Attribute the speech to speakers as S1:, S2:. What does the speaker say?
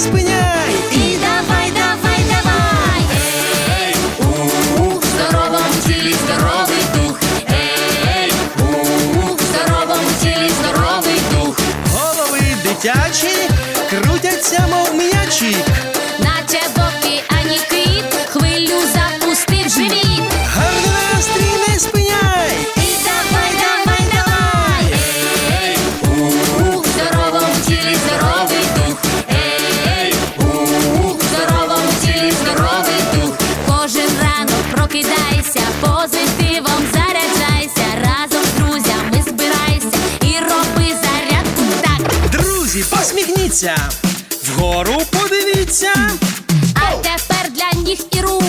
S1: спиняй.
S2: І давай, давай, давай. Ей, у здоровому тілі здоровий дух. Ей, у здоровому тілі здоровий дух.
S1: Голови дитячі крутяться, мов м'ячі.
S2: Наче боки, ані кит, хвилю запустив живіт.
S1: Гарний настрій не спиняй.
S2: І давай, давай, давай. Ей, у здоровому тілі здоровий дух. Ей, у здоровому тілі здоровий дух. Кожен ранок прокидайся, позитивом заряджайся. Разом з друзями збирайся і роби зарядку так.
S1: Друзі, посміхніться, вгору подивіться.
S2: А тепер для ніг і рук